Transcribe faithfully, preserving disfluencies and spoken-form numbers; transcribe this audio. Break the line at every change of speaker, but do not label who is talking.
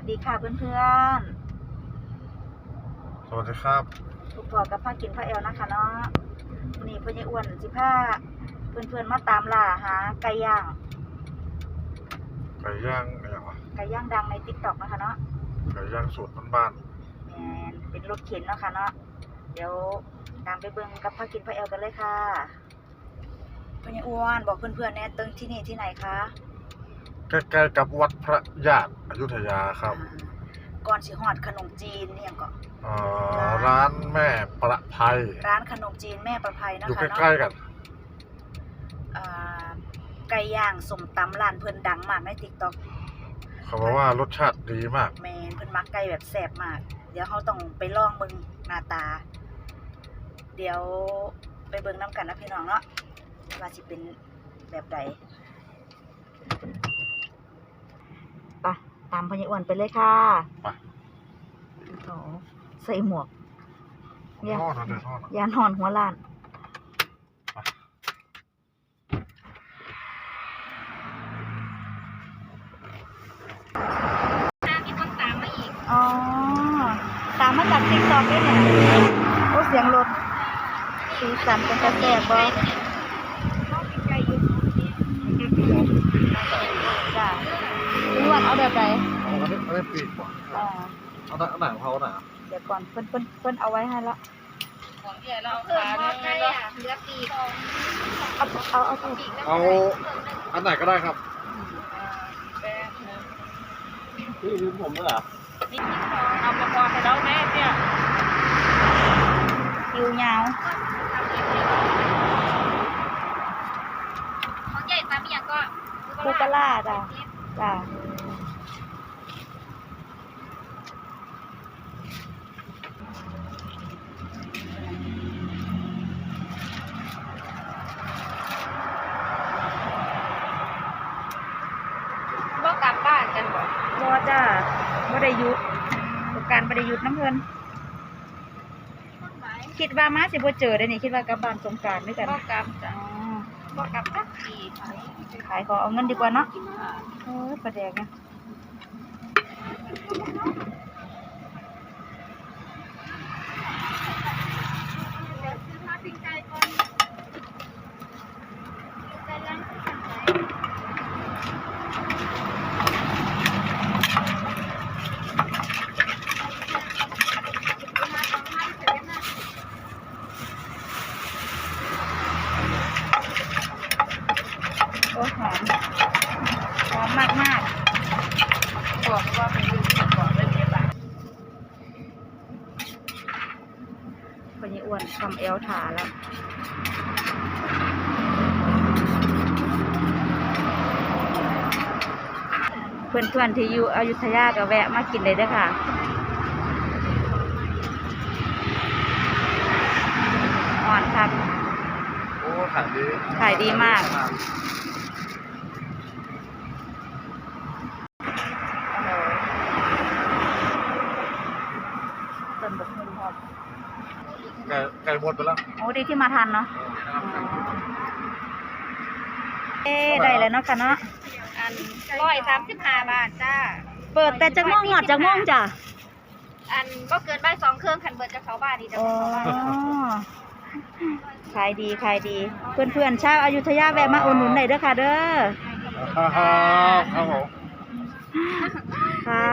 วัสดีค่ะเพื่อน
สวัสดีครับ
ๆทุกพอกับผ้ากินผ้าแอลนะคะเนาะนี่เพื่อนยายอ้วนสิผ้าเพื่อนๆมาตามล่าหาไก่ย่าง
ไก่ย่างอะไรวะ
ไก่ย่างดังในติ๊กต็อกนะคะเนาะ
ไก่ย่างสูตรบ้าน
แมนเป็นรถเข็นเนาะค่ะเนาะเดี๋ยวตามไปเบิ่งกับผ้ากินผ้าแอลกันเลยค่ะเพื่อนยายอ้วนบอกเพื่อนๆแน่ตึงที่นี่ที่ไหนคะ
ๆใกล้ๆกับวัดพระญาติอยุธยาครับ
ก่อนสิฮอดขนมจีนเนี่ยก็
ร้านแม่ประภัย
ร้านขนมจีนแม่ประภัยนะคะ
อยู่ใกล้ๆกัน
ไก่ย่างสมตำร้านเพิ่นดังมากในติ๊กต็อก
เขาบอกว่ารสชาติดีมาก
แมนเพิ่นมักไก่แบบแซ่บมากเดี๋ยวเขาต้องไปลองเบิ่งหน้าตาเดี๋ยวไปเบิ่งน้ำกันนะพี่น้องเนาะว่าสิเป็นแบบใดไปตามพญอ้วนไปเลยค่ะ
ไป
โอ้ใส่หมวก
ยานอน
ยานอนหัวล้านอ๋อตามมาจากติ๊กต็อกด้วยเนี่ยโอ้เสียงรถสีสันเป็นกระแสบอจ้าพี่วันเอาแบบไหน
เอาอันนี้อันนี้ปีกก่อน
อ่า
เอาหนังหนังเขาหนา
เดี๋ยวก่อนเพิ่นเพิ่นเพิ่นเอาไว้ให้ละ
ของใหญ่เราขาเนี่ยเนาะเหลือปีก
เอาเอาเอา
เอาอันไหนก็ได้ครับพี่ลืมผมด้วยเหรอ
เอาประกอบให้เราแม่เนี่ย
คิวยาว
ของใหญ่ตามอย่างก็
ลูกกะลาจ้ะจ้ะ
บ่กลับบ้านกันบ่
บ่จ้ะบ่ได้หยุดการบ่ได้หยุดน้ำเพิ่นคิดว่ามาสิบ่เจอได้นี่คิดว่ากลับบ้านสงกรานต์ด้วยกัน
บ่กลับจ้ะบ่กลับสักที
ขายขอเอาเงินดีกว่าเนาะเออประแดกนะโอ้หอมหอมมากมาก
บอกว่าเป็นลูกก่อนเลยเนี่ยป่ะ
คนนี้อ้วนทำเอลถาแล้วเพื่อนๆที่อยู่อยุธยาก็แวะมากินเลยเด้อค่ะอ่อนครับ
โอ้ขายดี
ขายดีมากต้นบกหุ่นหอม
ไก่ไก่หมดไปแล้ว
โอ้ดีที่มาทันเนาะเอ๊ได้เลยเนาะค่ะเนาะ
อันร้อยสามสิบห้าบาทจ้า
เปิดแต่จักม่วงหอดจักม่วงจ้ะ
อันก็เกินใบสองเครื่องขันเบิร์จะเขาบ้านดีจ้ะ
ขายดีขายดีเพื่อนๆชาวอยุธยาแวะมาอุดหนุนหน่อยเด้อค่ะเด้อ
ครับครับผม
ค่ะ